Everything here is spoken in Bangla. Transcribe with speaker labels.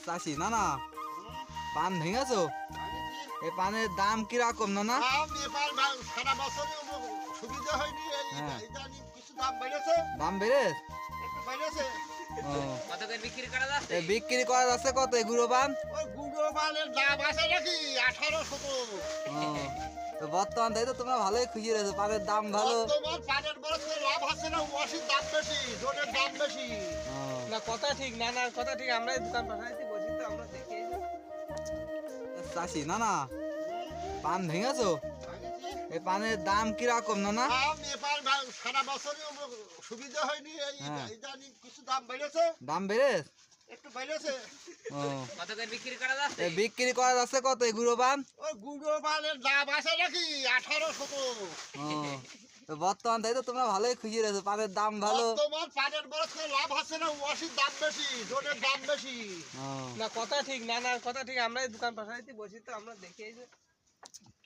Speaker 1: চাষি না না পান ভেঙেছো? এই পানের দাম কিরকম না না?
Speaker 2: সারা বছর সুবিধা হয়নি,
Speaker 1: হ্যাঁ।
Speaker 2: ইদানিং কিছু দাম বেড়েছে,
Speaker 1: দাম বেড়ে
Speaker 2: একটু বেড়েছে।
Speaker 3: কত করে বিক্রি করা যাচ্ছে?
Speaker 1: বিক্রি করা যাচ্ছে কত এই গুঁড়ো পান?
Speaker 2: ওই গুঁড়ো মালের দাম আছে নাকি 18-17।
Speaker 1: তো বর্তমান তাই তো তোমরা ভালোই খুশি রয়েছো, পানের দাম ভালো।
Speaker 2: তোমার পানের বরফ লাভ হচ্ছে না, ওয়াশির দাম বেশি, জোনের দাম বেশি।
Speaker 3: না কথা ঠিক, না না কথা ঠিক, আমরা এই দোকান পাঠাইতে বসি তো আমরা দেখি।
Speaker 1: চাষি না না পান ভেঙেছো? এই পানের দাম কিরকম না না?
Speaker 2: সারা বছর সুবিধা হয়নি,
Speaker 1: হ্যাঁ।
Speaker 2: ইদানিং কিছু দাম বেড়েছে,
Speaker 1: দাম বেড়ে
Speaker 2: একটু বেড়েছে।
Speaker 3: কত করে বিক্রি করা যাচ্ছে?
Speaker 1: বিক্রি করা যাচ্ছে কত এই গুঁড়ো পান?
Speaker 2: ওই গুঁড়ো মালের দাম আছে নাকি 18-17।
Speaker 1: তো বর্তমান তাই তো তোমরা ভালোই খুশি রয়েছো, পানের দাম ভালো।
Speaker 2: তোমার পানের বরফ লাভ হচ্ছে না, ওয়াশির দাম বেশি, জোনের দাম বেশি।
Speaker 3: না কথা ঠিক, না না কথা ঠিক, আমরা এই দোকান পাঠাইতে বসি তো আমরা দেখি।